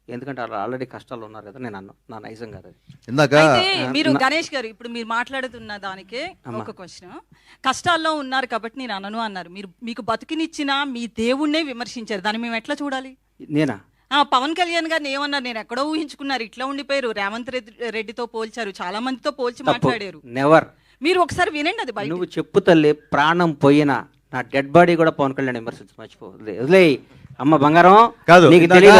ఎందుకంటే వాళ్ళు ఆల్రెడీ కష్టాలు ఉన్నారు కదా. నేను అన్నా నా నైజం కాదు అది. ఇందాక అయితే మీరు గణేష్ గారు ఇప్పుడు మీరు మాట్లాడుతున్న దానికే ఒక క్వశ్చన్. కష్టాల్లో ఉన్నారు కాబట్టి నేను అనను అన్నారు. మీరు మీకు బతుకునిచ్చిన మీ దేవుణ్ణే విమర్శించారు. దాన్ని మేము ఎట్లా చూడాలి? నేనా? పవన్ కళ్యాణ్ గారిని ఏమన్నారు? నేను ఎక్కడో ఊహించుకున్నారు, ఇట్లా ఉండిపోయారు. రేవంత్ రెడ్డితో పోల్చారు, చాలా మందితో పోల్చి మాట్లాడారు. నెవర్. మీరు ఒకసారి వినండి అది బయట. నువ్వు చెప్పు తల్లి, ప్రాణం పోయినా నా డెడ్ బాడీ కూడా పవన్ కళ్యాణ్ విమర్శించి మర్చిపో. వదిలే అమ్మ బంగారం కాదు, నీకు తెలియదు.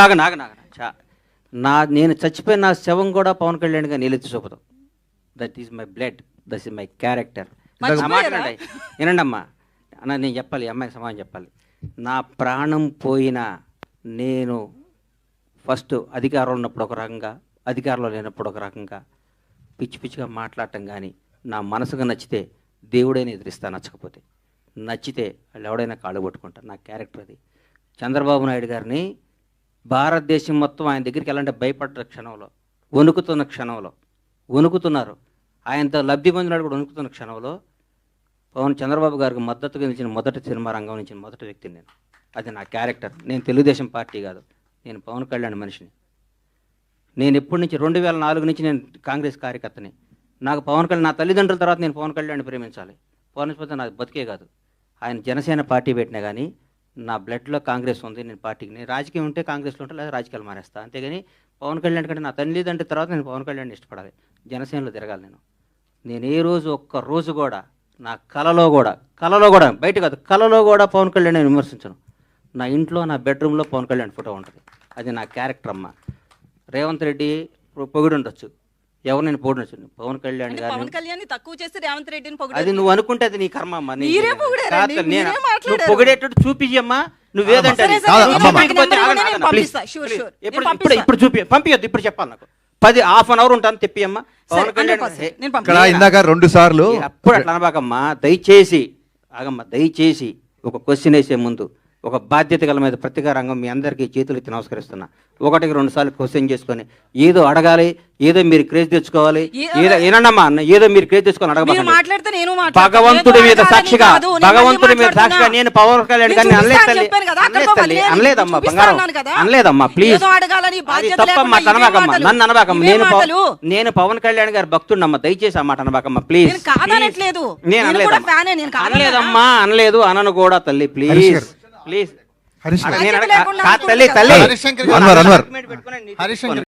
నేను చచ్చిపోయిన నా శవం కూడా పవన్ కళ్యాణ్ గా నీళ్ళెత్తి చూపుతాం. That is my blood, that is my character. వినండి అమ్మా, అన్న నేను చెప్పాలి, అమ్మాయి సమాధానం చెప్పాలి. నా ప్రాణం పోయినా నేను ఫస్ట్ అధికారంలో ఉన్నప్పుడు ఒక రకంగా, అధికారంలో లేనప్పుడు ఒక రకంగా పిచ్చి పిచ్చిగా మాట్లాడటం. కానీ నా మనసుగా నచ్చితే దేవుడైనా ఎదిరిస్తా, నచ్చకపోతే నచ్చితే వాళ్ళు ఎవడైనా కాళ్ళు పట్టుకుంటారు. నా క్యారెక్టర్ అది. చంద్రబాబు నాయుడు గారిని భారతదేశం మొత్తం ఆయన దగ్గరికి వెళ్ళాలంటే భయపడ్డ క్షణంలో, వణుకుతున్న క్షణంలో, వణుకుతున్నారు. ఆయనతో లబ్ధి పొందినాడు కూడా వణుకుతున్న క్షణంలో చంద్రబాబు గారికి మద్దతుగా నిలిచిన మొదటి సినిమా రంగం నుంచి మొదటి వ్యక్తిని నేను. అది నా క్యారెక్టర్. నేను తెలుగుదేశం పార్టీ కాదు, నేను పవన్ కళ్యాణ్ మనిషిని. నేను ఎప్పటి నుంచి 2004 నుంచి నేను కాంగ్రెస్ కార్యకర్తని. నాకు పవన్ కళ్యాణ్, నా తల్లిదండ్రుల తర్వాత నేను పవన్ కళ్యాణ్ ప్రేమించాలి. పవన్ నాకు బతికే కాదు. ఆయన జనసేన పార్టీ పెట్టినా కానీ నా బ్లడ్లో కాంగ్రెస్ ఉంది. నేను పార్టీకి, నేను రాజకీయం ఉంటే కాంగ్రెస్లో ఉంటే లేదా రాజకీయాలు మానేస్తా. అంతేగాని పవన్ కళ్యాణ్ కంటే నా తల్లిదండ్రుల తర్వాత నేను పవన్ కళ్యాణ్ ఇష్టపడాలి, జనసేనలో తిరగాలి. నేను ఏ రోజు ఒక్క రోజు కూడా నా కలలో కూడా బయట కాదు, కలలో కూడా పవన్ కళ్యాణ్ నేను విమర్శించను. నా ఇంట్లో, నా బెడ్రూమ్లో పవన్ కళ్యాణ్ ఫోటో ఉంటుంది. అది నా క్యారెక్టర్ అమ్మ. రేవంత్ రెడ్డి పొగిడి ఉండొచ్చు, ఎవరు నేను పొగిడొచ్చు. పవన్ కళ్యాణ్ గారిని తక్కువ చేసి రేవంత్ రెడ్డిని అది నువ్వు అనుకుంటే అది నీ కర్మ అమ్మా. నువ్వు పొగిడేటట్టు చూపించమ్మా. నువ్వేదంటే ఇప్పుడు చూపి పంపించద్దు, ఇప్పుడు చెప్పాలి. నాకు 10 హాఫ్ ఉంటాను, తెప్పియమ్మా. పవన్ కళ్యాణ్ ఇందాక 2 సార్లు అప్పుడు అట్లా అనబాకమ్మా. దయచేసి ఆగమ్మా, దయచేసి ఒక క్వశ్చన్ వేసే ముందు ఒక బాధ్యత గల మీద ప్రతిగా రంగం మీ అందరికీ చేతులు ఎత్తి నమస్కరిస్తున్నా. 1-2 సార్లు క్వశ్చన్ చేసుకొని ఏదో అడగాలి, ఏదో మీరు క్రేజ్ తెచ్చుకోవాలి, ఏదో ఏనమ్మా ఏదో మీరు క్రేజ్ తెచ్చుకొని అడగబాలి. భగవంతుడి మీద సాక్షిగా నేను పవన్ కళ్యాణ్ గారిని అనలేదమ్మా బంగారం, అనలేదమ్మా. ప్లీజ్ తప్పమ్మా, అనబాకమ్మా, నన్ను అనబాకమ్మా. నేను పవన్ కళ్యాణ్ గారి భక్తుడినమ్మా, దయచేసి ఆ మాట అనబాకమ్మా ప్లీజ్. నేను అనలేదమ్మా, అనలేదు, అనను కూడా తల్లి. Please please. హరీష్ తల్లి